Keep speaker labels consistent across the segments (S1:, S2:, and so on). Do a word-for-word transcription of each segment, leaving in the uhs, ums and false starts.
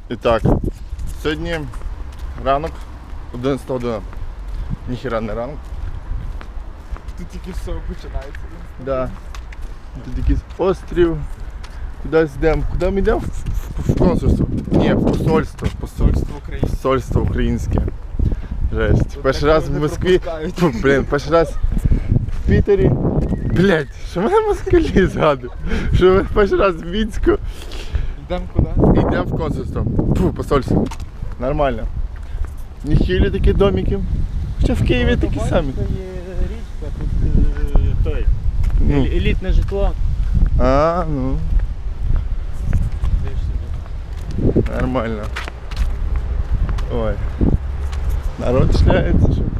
S1: І так, сьогодні ранок, одинадцята година. Ніхіра не ранок.
S2: Тут тільки все починається.
S1: Да. Тут якийсь острів. Кудись йдемо. Куди ми йдемо? В, в, в консульство. Ні, в посольство.
S2: Посольство України.
S1: Посольство українське. Жесть.
S2: Тут
S1: Перший
S2: такого
S1: раз в
S2: не
S1: Москві.
S2: пропускають.
S1: Фу, блін, перший раз в Пітері. Блять, що мене москалі згадують? Що ми перший раз в Мінську.
S2: Йдемо куди?
S1: Йдемо в консульство. Фу, посольство. Нормально. Ніхілі такі домики. Хоча в Києві такі самі.
S3: Це є річка, тут е, той,
S1: Ну.
S3: елі- елітне житло.
S1: А, ну,
S3: Де ж собі?
S1: нормально. Ой. Народ шляється, що.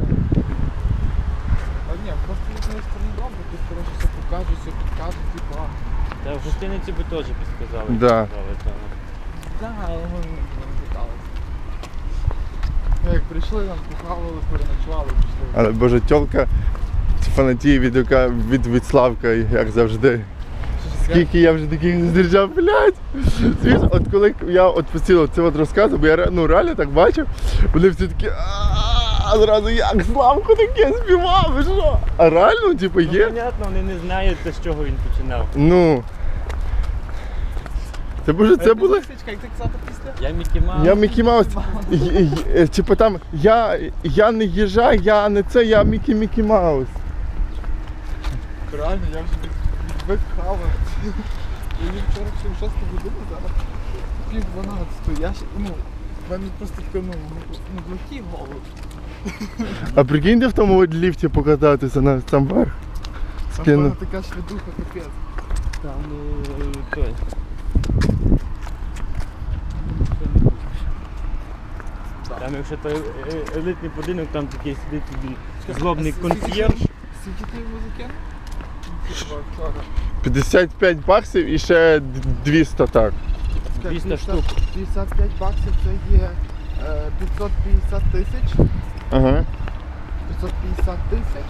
S2: А ні, просто з однієї сторони добре, тут коротше все покажуть, все підкажуть, типа.
S3: Та в гостиниці би теж підказали.
S1: Да.
S3: сказали, та.
S2: Так, але ми не питалися. Ми як прийшли, нам похавали, переночували, пішли.
S1: Але боже, тьолка фанатіє від, ока- від, від Славка, як завжди. Скільки я вже таких зустрічав, блядь. Звісно, от коли я от постійно це от розказував, бо я ре- ну, реально так бачив, вони всі такі а зразу як Славко таке співав, ви що? А реально, типу,
S3: Ну,
S1: є?
S3: понятно, вони не знають, з чого він починав.
S1: Ну. Це боже, це було.
S2: Свічка, як ти казати після?
S3: Я Мікі Маус.
S1: Я Мікі Маус. І- і- і- Типу там, я, я не їжа, я не це, я Мікі Мікі Маус.
S2: Реально, я вже від- відвик хавати. Я їм вчора ще в шосту годину, зараз пів дванадцятої. Я ще, ну, в мене просто таке, ну, ну, глухий голод.
S1: А прикиньте в тому от ліфті покататися на там верх.
S2: Там
S1: Скину.
S2: вона така швидуха, капець.
S3: Там е, той. Там якщо той е, елітний будинок, там такий сидить собі злобний консьєрж.
S2: Скільки ти музики?
S1: п'ятдесят п'ять баксів і ще двісті так.
S3: двісті штук.
S2: п'ятдесят п'ять баксів це є е, п'ятсот п'ятдесят тисяч.
S1: Ага.
S2: п'ятсот п'ятдесят тисяч.